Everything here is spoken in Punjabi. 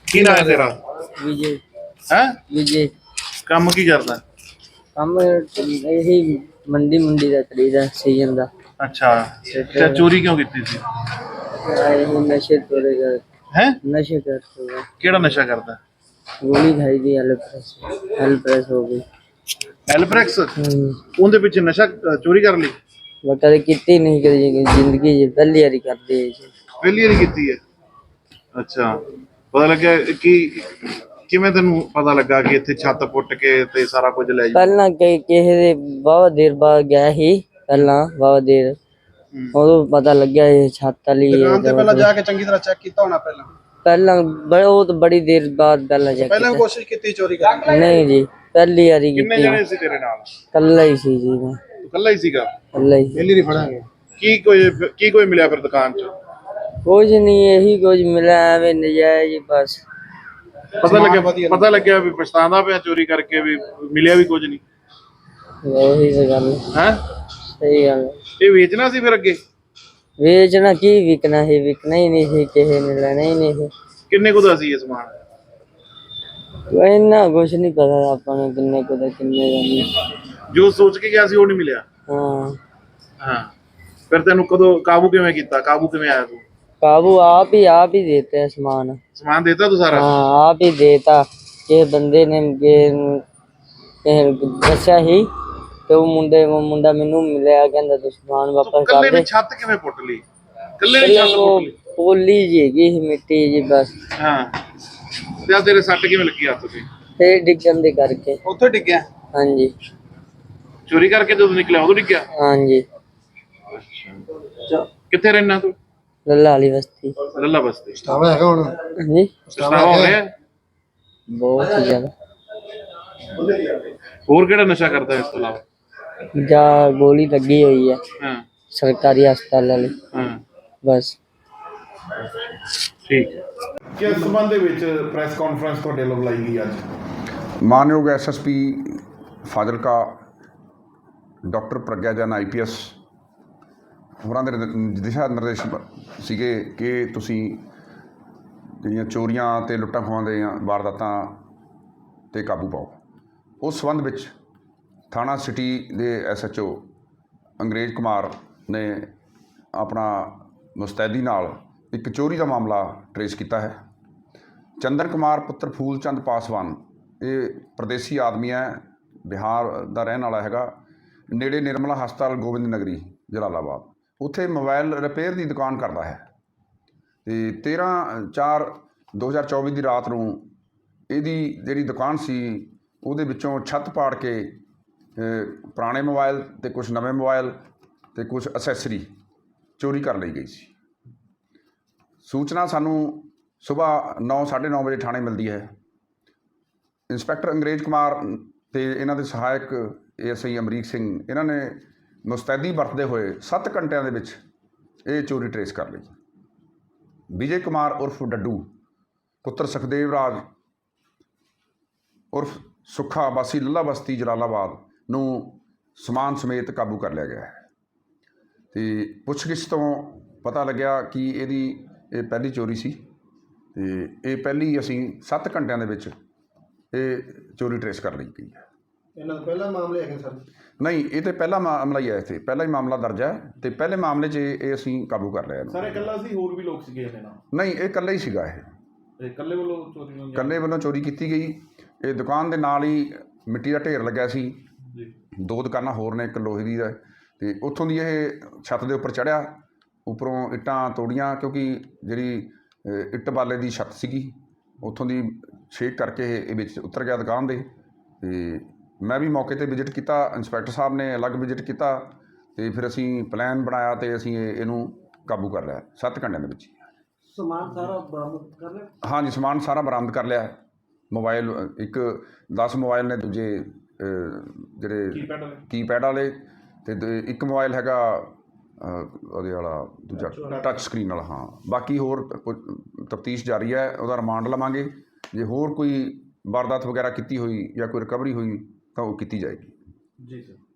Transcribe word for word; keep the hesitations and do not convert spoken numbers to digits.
ਕੀ ਨਾਂ ਹੈ ਤੇਰਾ? विजय है विजय ਕੰਮ ਕੀ ਕਰਦਾ? ਕੰਮ यही मंडी मंडी का करीदा सीजन का ਅੱਛਾ ਤੇ ਚੋਰੀ ਕਿਉਂ ਕੀਤੀ ਸੀ? यही नशे तोड़े कर है नशे करते हुए ਕਿਹੜਾ ਨਸ਼ਾ ਕਰਦਾ? गोली खाई थी एल प्रेस एल प्रेस हो गई। ਐਲਪ੍ਰੈਕਸ हम्म, ਉਹਦੇ ਵਿੱਚ ਨਸ਼ਾ ਅ, ਚੋਰੀ ਕਰ ਲਈ? मैं कभी कितनी नहीं करी जिंदगी च पहली बारी कर दी है। ਪਹਿਲੀ ਵਾਰੀ ਕੀਤੀ ਹੈ। ਅੱਛਾ ਪਤਾ ਲੱਗਿਆ ਕਿ ਕਿਵੇਂ ਤੈਨੂੰ ਪਤਾ ਲੱਗਾ ਕਿ ਇੱਥੇ ਛੱਤ ਪੁੱਟ ਕੇ ਤੇ ਸਾਰਾ ਕੁਝ ਲੈ ਜਾ? ਪਹਿਲਾਂ ਕਿ ਕਿਸੇ ਦੇ ਬਹੁਤ ਦੇਰ ਬਾਅਦ ਗਿਆ ਸੀ ਪਹਿਲਾਂ ਬਹੁਤ ਦੇਰ ਉਦੋਂ ਪਤਾ ਲੱਗਿਆ ਇਹ ਛੱਤ ਵਾਲੀ ਹੈ। ਦੁਕਾਨ ਤੇ ਪਹਿਲਾਂ ਜਾ ਕੇ ਚੰਗੀ ਤਰ੍ਹਾਂ ਚੈੱਕ ਕੀਤਾ ਹੋਣਾ ਪਹਿਲਾਂ ਪਹਿਲਾਂ ਬਹੁਤ ਬੜੀ ਦੇਰ ਬਾਅਦ ਪਹਿਲਾਂ ਜਾ ਪਹਿਲਾਂ ਵੀ ਕੋਸ਼ਿਸ਼ ਕੀਤੀ ਚੋਰੀ ਕਰਨ ਦੀ? ਨਹੀਂ ਜੀ ਪਹਿਲੀ ਵਾਰੀ ਕਿੰਨੇ ਕੀਤੀ ਜਣੇ ਸੀ ਤੇਰੇ ਨਾਲ? ਕੱਲਾ ਹੀ ਸੀ ਜੀ ਮੈਂ ਤੂੰ ਇਕੱਲਾ ਹੀ ਸੀਗਾ? ਕੱਲਾ ਹੀ ਪਹਿਲੀ ਨਹੀਂ ਫੜਾਂਗੇ। ਕੀ ਕੋਈ ਕੀ ਕੋਈ ਮਿਲਿਆ ਫਿਰ ਦੁਕਾਨ 'ਚ? ਕੁਝ ਨਹੀਂ ਇਹੀ ਕੁਝ ਮਿਲਿਆ ਐਵੇਂ ਨਜਾਇਜ਼ ਬਸ। ਪਤਾ ਲੱਗਿਆ ਪਤਾ ਲੱਗਿਆ ਵੀ ਪਛਤਾਉਂਦਾ ਪਿਆ ਚੋਰੀ ਕਰਕੇ ਵੀ ਮਿਲਿਆ ਵੀ ਕੁਝ ਨਹੀਂ ਉਹੀ ਤਾਂ ਗੱਲ ਹੈ? ਸਹੀ ਗੱਲ ਇਹ ਵੇਚਣਾ ਸੀ ਫਿਰ ਅੱਗੇ? ਵੇਚਣਾ ਕੀ ਵਿਕਣਾ ਸੀ ਵਿਕਣਾ ਹੀ ਨਹੀਂ ਸੀ ਕਿਸੇ ਨੇ ਲੈਣਾ ਹੀ ਨਹੀਂ ਸੀ। ਕਿੰਨੇ ਕੁ ਦਾ ਸੀ ਇਹ ਸਮਾਨ? ਇੰਨਾ ਕੁਛ ਨਹੀਂ ਪਤਾ ਆਪਾਂ ਨੂੰ ਕਿੰਨੇ ਕੁ ਦਾ ਕਿੰਨੇ ਦਾ ਨਹੀਂ। ਜੋ ਸੋਚ ਕੇ ਗਿਆ ਸੀ ਉਹ ਨਹੀਂ ਮਿਲਿਆ? ਹਾਂ ਹਾਂ ਫਿਰ ਤੈਨੂੰ ਕਦੋਂ ਕਾਬੂ ਕਿਵੇਂ ਕੀਤਾ? ਕਾਬੂ ਕਿਵੇਂ ਆਇਆ ਤੂੰ? काबू आप ही आप ही देते हैं सामान। ਸਮਾਨ ਦੇਤਾ ਤੂੰ ਸਾਰਾ? हाँ आप ही देता कि बंदे ने दस्या ही तो मुंडे मुंडा मैनू मिलिया कहंदा तू सामान वापस ਕੱਲੇ कर ਨੇ दे। ਛੱਤ ਕਿਵੇਂ ਪੁੱਟ ਲਈ? ਕੱਲੇ ਨੇ ਛੱਤ वो ਪੁੱਟ ਲਈ? पोली जी हैगी सी मिट्टी जी बस ਹਾਂ ਤੇ ਆ ਤੇਰੇ ਸੱਟ ਕਿਵੇਂ ਲੱਗੀ ਹੱਥ ਤੇ? फिर डिगन दे करके। ਉੱਥੇ ਡਿੱਗਿਆ? हाँ जी ਚੋਰੀ ਕਰਕੇ ਜਦੋਂ ਨਿਕਲਿਆ ਉਦੋਂ ਡਿੱਗਿਆ? हाँ जी ਕਿੱਥੇ ਰਹਿਣਾ ਤੂੰ? लल्ला वाली बस्ती। ਲੱਲਾ ਬਸਤੀ। ਸਟਾਵਾ ਹੈਗਾ ਹੁਣ? हाँ जी ਪਛਤਾਵਾ ਹੋ ਰਿਹਾ? बहुत ही ज्यादा। ਹੋਰ ਕਿਹੜਾ ਨਸ਼ਾ ਕਰਦਾ ਇਸ ਤੋਂ ਇਲਾਵਾ? जा गोली लगी हुई है ਹਾਂ सरकारी अस्पताल वाली ਹਾਂ बस। ਠੀਕ ਹੈ। ਕਿਸ ਸੰਬੰਧ ਦੇ ਵਿੱਚ ਪ੍ਰੈਸ ਕਾਨਫਰੰਸ ਤੁਹਾਡੇ ਵੱਲੋਂ ਬੁਲਾਈ ਗਈ ਅੱਜ? ਮਾਨਯੋਗ S S P Fazilka doctor Pragya Jain I P S ਹੋਰਾਂ ਦੇ ਨਿਰ- ਦਿਸ਼ਾ ਨਿਰਦੇਸ਼ ਬ- ਸੀਗੇ ਕਿ ਤੁਸੀਂ ਜਿਹੜੀਆਂ ਚੋਰੀਆਂ ਅਤੇ ਲੁੱਟਾਂ ਖੋਹਾਂ ਦੀਆਂ ਵਾਰਦਾਤਾਂ 'ਤੇ ਕਾਬੂ ਪਾਓ। ਉਸ ਸੰਬੰਧ ਵਿੱਚ ਥਾਣਾ ਸਿਟੀ ਦੇ ਐਸ ਐਚ ਓ ਅੰਗਰੇਜ਼ ਕੁਮਾਰ ਨੇ ਆਪਣਾ ਮੁਸਤੈਦੀ ਨਾਲ ਇੱਕ ਚੋਰੀ ਦਾ ਮਾਮਲਾ ਟਰੇਸ ਕੀਤਾ ਹੈ। ਚੰਦਨ ਕੁਮਾਰ ਪੁੱਤਰ ਫੂਲ ਚੰਦ ਪਾਸਵਾਨ ਇਹ ਪ੍ਰਦੇਸੀ ਆਦਮੀ ਹੈ, ਬਿਹਾਰ ਦਾ ਰਹਿਣ ਵਾਲਾ ਹੈਗਾ। ਨੇੜੇ ਨਿਰਮਲਾ ਹਸਪਤਾਲ ਗੋਬਿੰਦ ਨਗਰੀ ਜਲਾਲਾਬਾਦ ਉੱਥੇ ਮੋਬਾਈਲ ਰਿਪੇਅਰ ਦੀ ਦੁਕਾਨ ਕਰਦਾ ਹੈ। ਅਤੇ ਤੇਰ੍ਹਾਂ ਚਾਰ ਦੋ ਹਜ਼ਾਰ ਚੌਵੀ ਦੀ ਰਾਤ ਨੂੰ ਇਹਦੀ ਜਿਹੜੀ ਦੁਕਾਨ ਸੀ ਉਹਦੇ ਵਿੱਚੋਂ ਛੱਤ ਪਾੜ ਕੇ ਅ, ਪੁਰਾਣੇ ਮੋਬਾਈਲ ਅਤੇ ਕੁਛ ਨਵੇਂ ਮੋਬਾਈਲ ਅਤੇ ਕੁਛ ਅਸੈਸਰੀ ਚੋਰੀ ਕਰ ਲਈ ਗਈ ਸੀ। ਸੂਚਨਾ ਸਾਨੂੰ ਸੁਬਾਹ ਨੌ ਸਾਢੇ ਨੌ ਵਜੇ ਥਾਣੇ ਮਿਲਦੀ ਹੈ। ਇੰਸਪੈਕਟਰ ਅੰਗਰੇਜ਼ ਕੁਮਾਰ ਅਤੇ ਇਹਨਾਂ ਦੇ ਸਹਾਇਕ A S I Amrik Singh ਇਹਨਾਂ ਨੇ ਮੁਸਤੈਦੀ ਵਰਤਦੇ ਹੋਏ ਸੱਤ ਘੰਟਿਆਂ ਦੇ ਵਿੱਚ ਇਹ ਚੋਰੀ ਟਰੇਸ ਕਰ ਲਈ। ਵਿਜੇ ਕੁਮਾਰ ਉਰਫ ਡੱਡੂ ਪੁੱਤਰ ਸੁਖਦੇਵ ਰਾਜ ਉਰਫ ਸੁੱਖਾ ਵਾਸੀ ਲੱਲਾ ਬਸਤੀ ਜਲਾਲਾਬਾਦ ਨੂੰ ਸਮਾਨ ਸਮੇਤ ਕਾਬੂ ਕਰ ਲਿਆ ਗਿਆ ਹੈ। ਅਤੇ ਪੁੱਛਗਿੱਛ ਤੋਂ ਪਤਾ ਲੱਗਿਆ ਕਿ ਇਹਦੀ ਇਹ ਪਹਿਲੀ ਚੋਰੀ ਸੀ ਅਤੇ ਇਹ ਪਹਿਲੀ ਅਸੀਂ ਸੱਤ ਘੰਟਿਆਂ ਦੇ ਵਿੱਚ ਇਹ ਚੋਰੀ ਟਰੇਸ ਕਰ ਲਈ ਗਈ ਹੈ। ਇਹਨਾਂ ਦਾ ਪਹਿਲਾ ਮਾਮਲੇ ਹੈਗੇ ਸਰ? ਨਹੀਂ, ਇਹ ਤਾਂ ਪਹਿਲਾ ਮਾਮਲਾ ਹੀ ਹੈ, ਇੱਥੇ ਪਹਿਲਾ ਹੀ ਮਾਮਲਾ ਦਰਜ ਹੈ ਅਤੇ ਪਹਿਲੇ ਮਾਮਲੇ 'ਚ ਇਹ ਇਹ ਅਸੀਂ ਕਾਬੂ ਕਰ ਲਿਆ ਇਹਨੂੰ। ਸਾਰੇ ਇਕੱਲਾ ਸੀ ਹੋਰ ਵੀ ਲੋਕ ਸੀਗੇ ਇਹਦੇ ਨਾਲ? ਨਹੀਂ, ਇਹ ਇਕੱਲਾ ਹੀ ਸੀਗਾ। ਇਹ ਇਹ ਇਕੱਲੇ ਵੱਲੋਂ ਚੋਰੀ ਹੋਈ? ਇਕੱਲੇ ਵੱਲੋਂ ਚੋਰੀ ਕੀਤੀ ਗਈ। ਇਹ ਦੁਕਾਨ ਦੇ ਨਾਲ ਹੀ ਮਿੱਟੀ ਦਾ ਢੇਰ ਲੱਗਿਆ ਸੀ। ਜੀ ਦੋ ਦੁਕਾਨਾਂ ਹੋਰ ਨੇ, ਇੱਕ ਲੋਹੇ ਦੀ ਹੈ ਅਤੇ ਉੱਥੋਂ ਦੀ ਇਹ ਛੱਤ ਦੇ ਉੱਪਰ ਚੜ੍ਹਿਆ, ਉੱਪਰੋਂ ਇੱਟਾਂ ਤੋੜੀਆਂ ਕਿਉਂਕਿ ਜਿਹੜੀ ਅ, ਇੱਟ ਬਾਲੇ ਦੀ ਛੱਤ ਸੀਗੀ ਉੱਥੋਂ ਦੀ ਛੇਕ ਕਰਕੇ ਇਹ ਇਹ ਵਿੱਚ ਉਤਰ ਗਿਆ ਦੁਕਾਨ ਦੇ। ਅਤੇ ਮੈਂ ਵੀ ਮੌਕੇ 'ਤੇ ਵਿਜ਼ਿਟ ਕੀਤਾ, ਇੰਸਪੈਕਟਰ ਸਾਹਿਬ ਨੇ ਅਲੱਗ ਵਿਜ਼ਿਟ ਕੀਤਾ ਅਤੇ ਫਿਰ ਅਸੀਂ ਪਲਾਨ ਬਣਾਇਆ ਅਤੇ ਅਸੀਂ ਇਹ ਇਹਨੂੰ ਕਾਬੂ ਕਰ ਲਿਆ ਸੱਤ ਘੰਟਿਆਂ ਦੇ ਵਿੱਚ। ਸਮਾਨ ਸਾਰਾ ਬਰਾਮਦ ਕਰ ਲਿਆ? ਹਾਂਜੀ, ਸਮਾਨ ਸਾਰਾ ਬਰਾਮਦ ਕਰ ਲਿਆ। ਮੋਬਾਈਲ ਇੱਕ ਦਸ ਮੋਬਾਈਲ ਨੇ, ਦੂਜੇ ਅ, ਜਿਹੜੇ ਕੀਪੈਡ ਵਾਲੇ ਕੀਪੈਡ ਵਾਲੇ, ਅਤੇ ਇੱਕ ਮੋਬਾਈਲ ਹੈਗਾ ਅ, ਉਹਦੇ ਵਾਲਾ ਦੂਜਾ ਟੱਚ ਸਕਰੀਨ ਵਾਲਾ। ਹਾਂ, ਬਾਕੀ ਹੋਰ ਤਫਤੀਸ਼ ਜਾਰੀ ਹੈ, ਉਹਦਾ ਰਿਮਾਂਡ ਲਵਾਂਗੇ। ਜੇ ਹੋਰ ਕੋਈ ਵਾਰਦਾਤ ਵਗੈਰਾ ਕੀਤੀ ਹੋਈ ਜਾਂ ਕੋਈ ਰਿਕਵਰੀ ਹੋਈ ਤਾਂ ਉਹ ਕੀਤੀ ਜਾਏਗੀ। ਜੀ ਸਰ।